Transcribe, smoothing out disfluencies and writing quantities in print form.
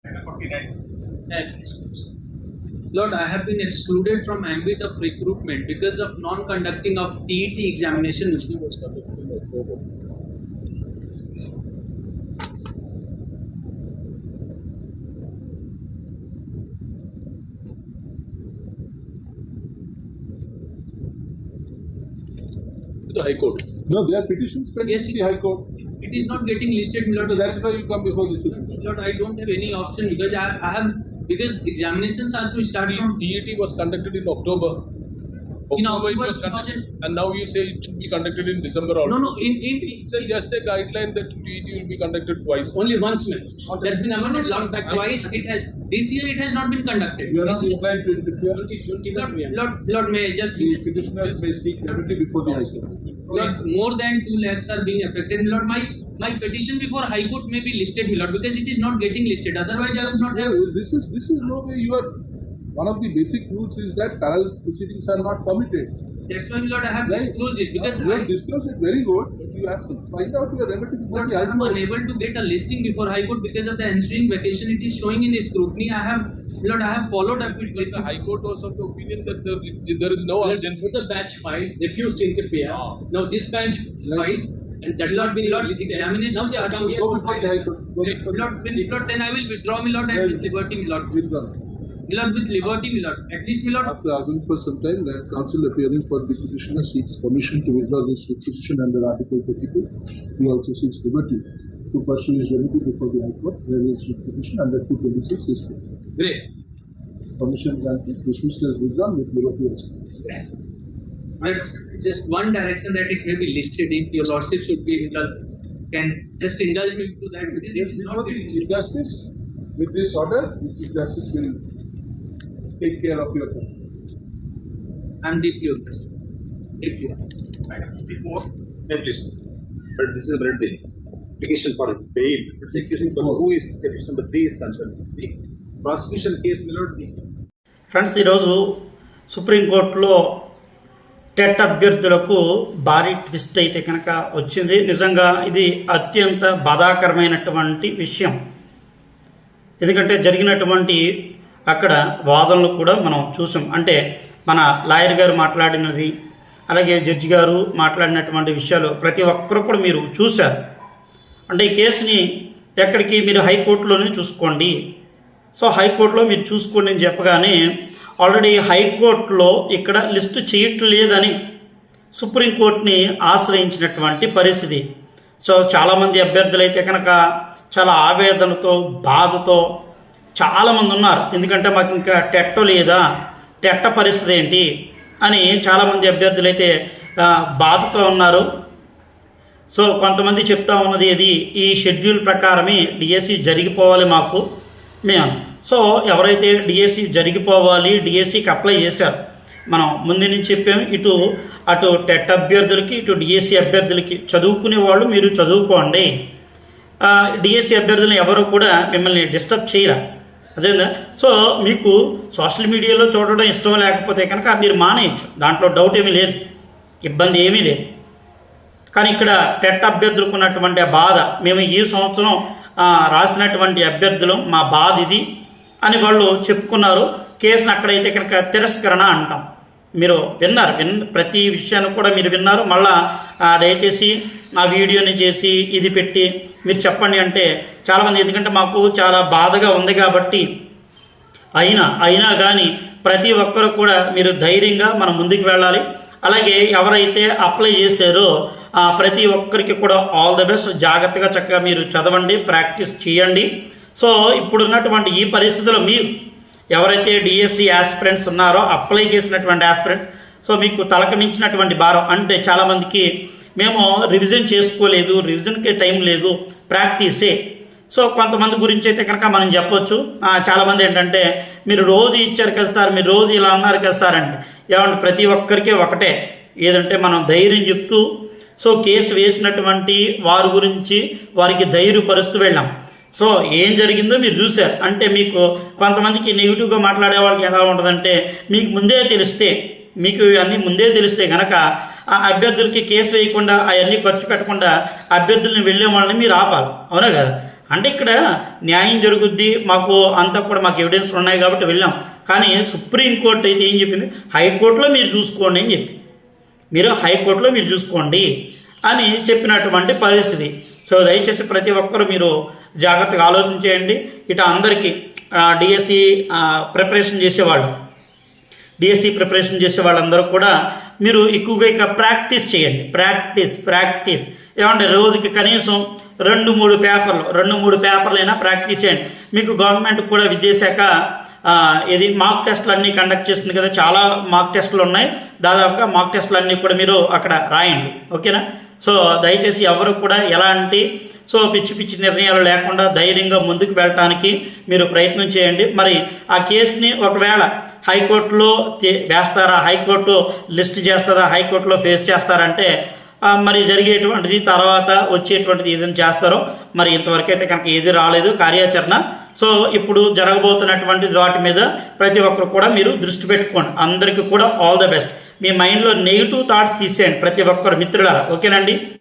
Lord, I have been excluded from ambit of recruitment because of non-conducting of TET examination which was conducted in October. The High Court. No, there are petitions pending Yes, in the High Court. It is not getting listed, Lord. That's why you come before the Supreme Court. Lord, I don't have any option because I have because examinations are to start from TET was conducted in October. in October it October was conducted, 2000. and now you say it should be conducted in December also. No, in It's just a guideline that TET will be conducted twice. only once minutes. That's been amended long back twice. It has this year it has not been conducted. You are not This year- inclined to interfere. Lord, may I just be Petitioner may seek remedy before the High Court. Lord, more than 2 lakhs are being affected. Lord, my petition before High Court may be listed, Lord, because it is not getting listed. Otherwise, I would not have. This is no way you are. One of the basic rules is that parallel proceedings are not permitted. That's why, Lord, I have Right. disclosed it because You have disclosed it very good, but you have to find out your remedy before Lord, the I High am Court. unable to get a listing before High Court because of the ensuing vacation. It is showing in the scrutiny. Lord, I have followed up with The High Court was of the opinion that there is no urgency. The batch filed, refused to interfere. Now this batch files, and that's not been Lord, listed. examinations Now they are are come here. Go before the High Court. Go before the Lord, then I will withdraw, my Lord, and with liberty, my Lord. Withdrawn. Lord, with liberty, my Lord. At least, my Lord. After arguing for some time, the counsel appearing for the petitioner seeks permission to withdraw this petition under Article 32. He also seeks liberty to pursue his remedy before the High Court, where his petition under 226 is Great. permission granted, dismissed as withdrawn with liberty extended. That's just one direction that it may be listed. If your Lordship should be can just indulge me to that because it is not Before the Chief Justice, with this order, the Chief Justice will take care of your case. I'm deeply impressed. Deeply. Before, please. But this is a very big application for bail. Application for who is petition number 3 is concerned. The prosecution case will not be. Friends, ఈరోజు సుప్రీంకోర్టులో TET అభ్యర్థులకు భారీ twist అయితే కనుక వచ్చింది. నిజంగా ఇది అత్యంత బాధాకరమైనటువంటి విషయం. ఎందుకంటే జరిగినటువంటి అక్కడ వాదనలు కూడా మనం చూసాం. అంటే మన లాయర్ గారు మాట్లాడినది, అలాగే జడ్జి గారు మాట్లాడినటువంటి విషయాలు ప్రతి ఒక్కరు కూడా మీరు చూశారు. అంటే ఈ కేసుని ఎక్కడికి మీరు హైకోర్టులోనే చూసుకోండి. సో హైకోర్టులో మీరు చూసుకోండి అని చెప్పగానే ఆల్రెడీ హైకోర్టులో ఇక్కడ లిస్టు చేయట్లేదని సుప్రీంకోర్టుని ఆశ్రయించినటువంటి పరిస్థితి. సో చాలామంది అభ్యర్థులు అయితే కనుక చాలా ఆవేదనతో, బాధతో చాలామంది ఉన్నారు. ఎందుకంటే మాకు ఇంకా టెట్ లేదా, టెట్ పరిస్థితి ఏంటి అని చాలామంది అభ్యర్థులు అయితే బాధతో ఉన్నారు. సో కొంతమంది చెప్తా ఉన్నది ఇది ఈ షెడ్యూల్ ప్రకారమే డిఎస్సి జరిగిపోవాలి మాకు మేము. సో ఎవరైతే డిఎస్సి జరిగిపోవాలి, డిఎస్సికి అప్లై చేశారు, మనం ముందు నుంచి చెప్పాము, అటు టెట్ అభ్యర్థులకి, ఇటు డిఎస్సి అభ్యర్థులకి చదువుకునే వాళ్ళు మీరు చదువుకోండి. డిఎస్సి అభ్యర్థులను ఎవరు కూడా మిమ్మల్ని డిస్టర్బ్ చేయరా. అదేందా? సో మీకు సోషల్ మీడియాలో చూడడం ఇష్టం లేకపోతే కనుక మీరు మానేయచ్చు, దాంట్లో డౌట్ ఏమీ లేదు, ఇబ్బంది ఏమీ లేదు. కానీ ఇక్కడ టెట్ అభ్యర్థులకు ఉన్నటువంటి ఆ బాధ, మేము ఈ సంవత్సరం రాసినటువంటి అభ్యర్థులు మా బాధ ఇది అని వాళ్ళు చెప్పుకున్నారు. కేసును అక్కడైతే కనుక తిరస్కరణ అంటాం. మీరు విన్నారు, ప్రతి విషయాన్ని కూడా మీరు విన్నారు. మళ్ళా దయచేసి ఆ వీడియోని చేసి ఇది పెట్టి మీరు చెప్పండి అంటే చాలామంది, ఎందుకంటే మాకు చాలా బాధగా ఉంది కాబట్టి అయినా కానీ ప్రతి ఒక్కరు కూడా మీరు ధైర్యంగా మనం ముందుకు వెళ్ళాలి. అలాగే ఎవరైతే అప్లై చేశారో ప్రతి ఒక్కరికి కూడా ఆల్ ద బెస్ట్. జాగ్రత్తగా చక్కగా మీరు చదవండి, ప్రాక్టీస్ చేయండి. సో ఇప్పుడున్నటువంటి ఈ పరిస్థితుల్లో మీరు ఎవరైతే డిఎస్సి ఆస్పిరెంట్స్ ఉన్నారో, అప్లై చేసినటువంటి ఆస్పిరెంట్స్, సో మీకు తలకు మించినటువంటి భారం. అంటే చాలామందికి మేము రివిజన్ చేసుకోలేదు, రివిజన్కి టైం లేదు, ప్రాక్టీసే. సో కొంతమంది గురించి అయితే కనుక మనం చెప్పొచ్చు. చాలామంది ఏంటంటే మీరు రోజు ఇచ్చారు కదా సార్, మీరు రోజు ఇలా అన్నారు కదా సార్ అంటే ఏమంటే ప్రతి ఒక్కరికి ఒకటే ఏదంటే మనం ధైర్యం చెప్తూ, సో కేసు వేసినటువంటి వారి గురించి వారికి ధైర్యపరుస్తూ వెళ్ళాం. సో ఏం జరిగిందో మీరు చూశారు. అంటే మీకు కొంతమందికి నెగిటివ్గా మాట్లాడే వాళ్ళకి ఎలా ఉంటుందంటే, మీకు ముందే తెలిస్తే, మీకు అన్నీ ముందే తెలిస్తే కనుక ఆ అభ్యర్థులకి కేసు వేయకుండా అవన్నీ ఖర్చు పెట్టకుండా అభ్యర్థులను వెళ్ళే వాళ్ళని మీరు ఆపాలి, అవునా కదా? అంటే ఇక్కడ న్యాయం జరుగుద్ది, మాకు అంతా కూడా మాకు ఎవిడెన్స్ ఉన్నాయి కాబట్టి వెళ్ళాం. కానీ సుప్రీంకోర్టు అయితే ఏం చెప్పింది, హైకోర్టులో మీరు చూసుకోండి అని చెప్పి, మీరు హైకోర్టులో మీరు చూసుకోండి అని చెప్పినటువంటి పరిస్థితి. సో దయచేసి ప్రతి ఒక్కరు మీరు జాగ్రత్తగా ఆలోచించేయండి. ఇటు అందరికీ డిఎస్సి ప్రిపరేషన్ చేసే వాళ్ళందరూ కూడా మీరు ఎక్కువగా ఇక ప్రాక్టీస్ చేయండి. ప్రాక్టీస్ ఏమంటే రోజుకి కనీసం 2-3 పేపర్లైనా ప్రాక్టీస్ చేయండి. మీకు గవర్నమెంట్ కూడా విద్యాశాఖ ఇది మాక్ టెస్టులు అన్నీ కండక్ట్ చేస్తుంది కదా, చాలా మాక్ టెస్టులు ఉన్నాయి. దాదాపుగా మాక్ టెస్టులు అన్నీ కూడా మీరు అక్కడ రాయండి. ఓకేనా? సో దయచేసి ఎవరు కూడా ఎలాంటి పిచ్చి నిర్ణయాలు లేకుండా ధైర్యంగా ముందుకు వెళ్ళటానికి మీరు ప్రయత్నం చేయండి. మరి ఆ కేసుని ఒకవేళ హైకోర్టులో వేస్తారా, హైకోర్టు లిస్ట్ చేస్తారా, హైకోర్టులో ఫేస్ చేస్తారంటే మరి జరిగేటువంటిది తర్వాత వచ్చేటువంటిది ఏదైనా చేస్తారో మరి ఇంతవరకు అయితే కనుక ఏది రాలేదు కార్యాచరణ. సో ఇప్పుడు జరగబోతున్నటువంటి వాటి మీద ప్రతి ఒక్కరు కూడా మీరు దృష్టి పెట్టుకోండి. అందరికీ కూడా ఆల్ ద బెస్ట్. మీ మైండ్లో నెగిటివ్ థాట్స్ తీసేయండి ప్రతి ఒక్కరు మిత్రులారా. ఓకేనండి?